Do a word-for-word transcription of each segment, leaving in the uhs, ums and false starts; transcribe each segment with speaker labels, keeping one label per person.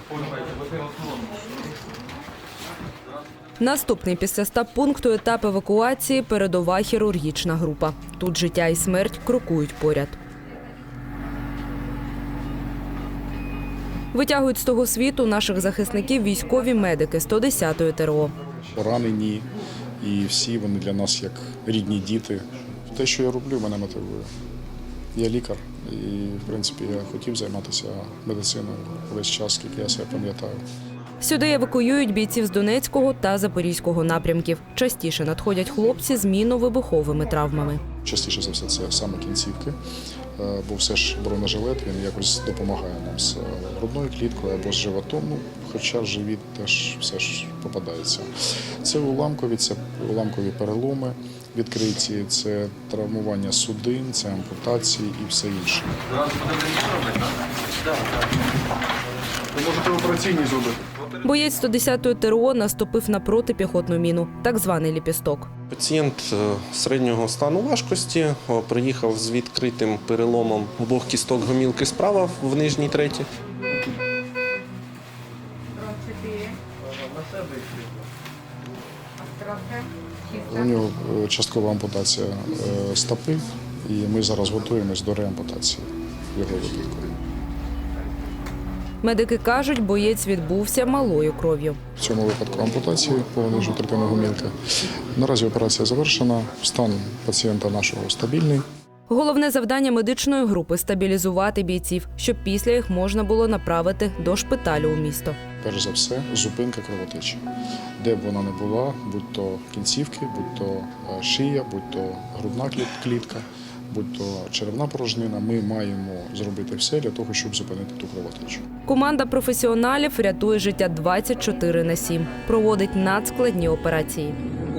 Speaker 1: Наступний після стаб-пункту етап евакуації – передова хірургічна група. Тут життя і смерть крокують поряд. Витягують з того світу наших захисників військові медики сто десятої ТРО.
Speaker 2: Поранені, і всі вони для нас як рідні діти. Те, що я роблю, мене мотивує. Я лікар, і, в принципі, я хотів займатися медициною весь час, скільки я себе пам'ятаю.
Speaker 1: Сюди евакуюють бійців з Донецького та Запорізького напрямків. Частіше надходять хлопці з мінно-вибуховими травмами.
Speaker 2: Частіше за все це саме кінцівки, бо все ж бронежилет, він якось допомагає нам з грудною кліткою або з животом, ну, хоча живіт теж все ж попадається. Це уламкові, це уламкові переломи відкриті, це травмування судин, це ампутації і все інше.
Speaker 3: Ви можете операційні зробити.
Speaker 1: Боєць сто десятої ТРО наступив на протипіхотну міну, так званий ліпісток.
Speaker 4: Пацієнт середнього стану важкості приїхав з відкритим переломом обох кісток гомілки справа в нижній треті.
Speaker 2: У нього часткова ампутація стопи, і ми зараз готуємось до реампутації його випадку.
Speaker 1: Медики кажуть, боєць відбувся малою кров'ю.
Speaker 2: В цьому випадку ампутації по нижню третину гомілки. Наразі операція завершена, стан пацієнта нашого стабільний.
Speaker 1: Головне завдання медичної групи – стабілізувати бійців, щоб після їх можна було направити до шпиталю у місто.
Speaker 2: Перш за все, зупинка кровотечі. Де б вона не була, будь то кінцівки, будь то шия, будь то грудна клітка, будь то черевна порожнина, ми маємо зробити все для того, щоб зупинити ту кровотечу.
Speaker 1: Команда професіоналів рятує життя двадцять чотири на сім, проводить надскладні операції.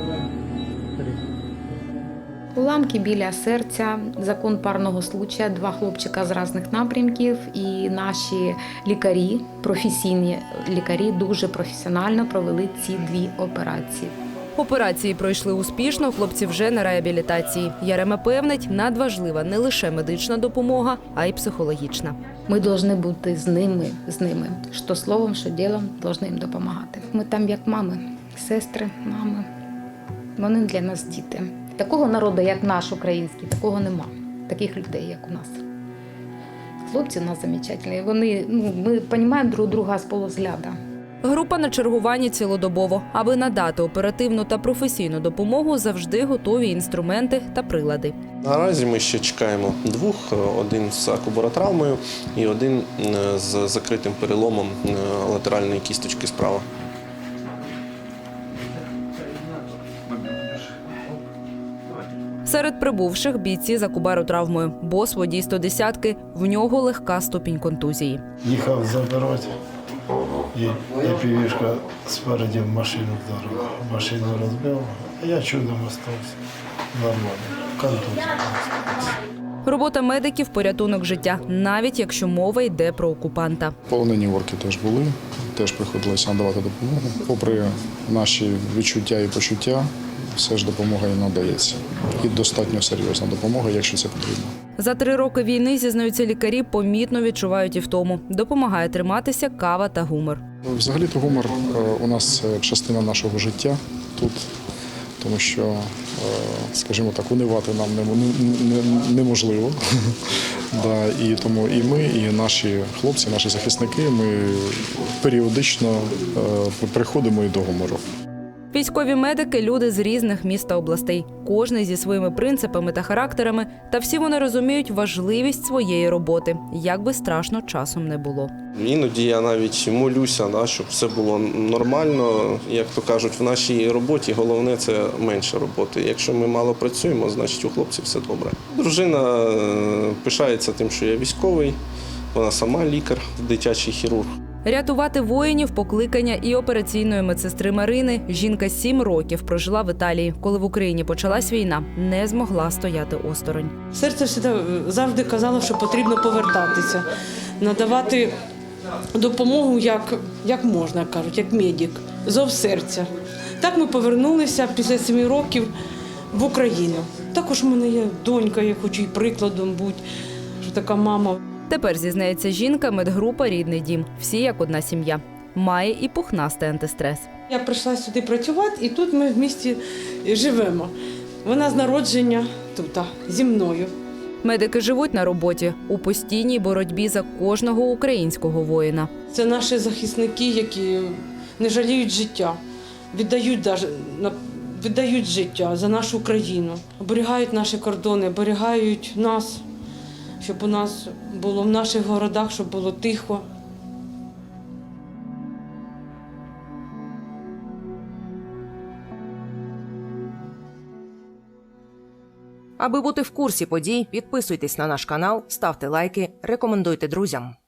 Speaker 5: Уламки біля серця, закон парного случая, два хлопчика з різних напрямків, і наші лікарі, професійні лікарі, дуже професіонально провели ці дві операції.
Speaker 1: Операції пройшли успішно, хлопці вже на реабілітації. Ярема певнить, надважлива не лише медична допомога, а й психологічна.
Speaker 5: Ми повинні бути з ними, з ними, що словом, що ділом, повинні їм допомагати. Ми там як мами, сестри, мами. Вони для нас діти. Такого народу, як наш український, такого нема. Таких людей, як у нас. Хлопці у нас замечательні. Вони, ну, ми розуміємо друг друга з полузгляду.
Speaker 1: Група на чергуванні цілодобово. Аби надати оперативну та професійну допомогу, завжди готові інструменти та прилади.
Speaker 4: Наразі ми ще чекаємо двох, один з акубаротравмою і один з закритим переломом латеральної кісточки справа.
Speaker 1: Серед прибувших бійці з акубаротравмою. Бос водій сто десятки, в нього легка ступінь контузії.
Speaker 6: Їхав забирати, і, і півішка спереді в машину вдарила. Машину розбила, а я чудом остався. Нормально. Контузія.
Speaker 1: Робота медиків – порятунок життя, навіть якщо мова йде про окупанта.
Speaker 2: Полонені орки теж були, теж приходилося надавати допомогу. Попри наші відчуття і почуття, все ж допомога їм надається. І достатньо серйозна допомога, якщо це потрібно.
Speaker 1: За три роки війни, зізнаються лікарі, помітно відчувають і втому. Допомагає триматися кава та гумор.
Speaker 2: Взагалі-то гумор у нас це частина нашого життя тут, тому що, скажімо так, унивати нам неможливо. Да, і тому і ми, і наші хлопці, наші захисники, ми періодично приходимо і до гумору.
Speaker 1: Військові медики – люди з різних міст та областей. Кожний зі своїми принципами та характерами, та всі вони розуміють важливість своєї роботи, як би страшно часом не було.
Speaker 4: Іноді я навіть молюся, да, щоб все було нормально. Як то кажуть, в нашій роботі головне – це менше роботи. Якщо ми мало працюємо, значить у хлопців все добре. Дружина пишається тим, що я військовий, вона сама лікар, дитячий хірург.
Speaker 1: Рятувати воїнів – покликання і операційної медсестри Марини. Жінка сім років прожила в Італії. Коли в Україні почалась війна, не змогла стояти осторонь.
Speaker 7: Серце завжди казало, що потрібно повертатися, надавати допомогу як, як можна, кажуть, як медик, зов серця. Так ми повернулися після семи років в Україну. Також у мене є донька, я хочу і прикладом бути, що така мама.
Speaker 1: Тепер, зізнається жінка, медгрупа «Рідний дім». Всі як одна сім'я. Має і пухнастий антистрес.
Speaker 7: Я прийшла сюди працювати, і тут ми в місті живемо. Вона з народження тут, зі мною.
Speaker 1: Медики живуть на роботі у постійній боротьбі за кожного українського воїна.
Speaker 7: Це наші захисники, які не жаліють життя, віддають, даже, віддають життя за нашу країну, оберігають наші кордони, оберігають нас, щоб у нас було в наших городах, щоб було тихо.
Speaker 8: Аби бути в курсі подій, підписуйтесь на наш канал, ставте лайки, рекомендуйте друзям.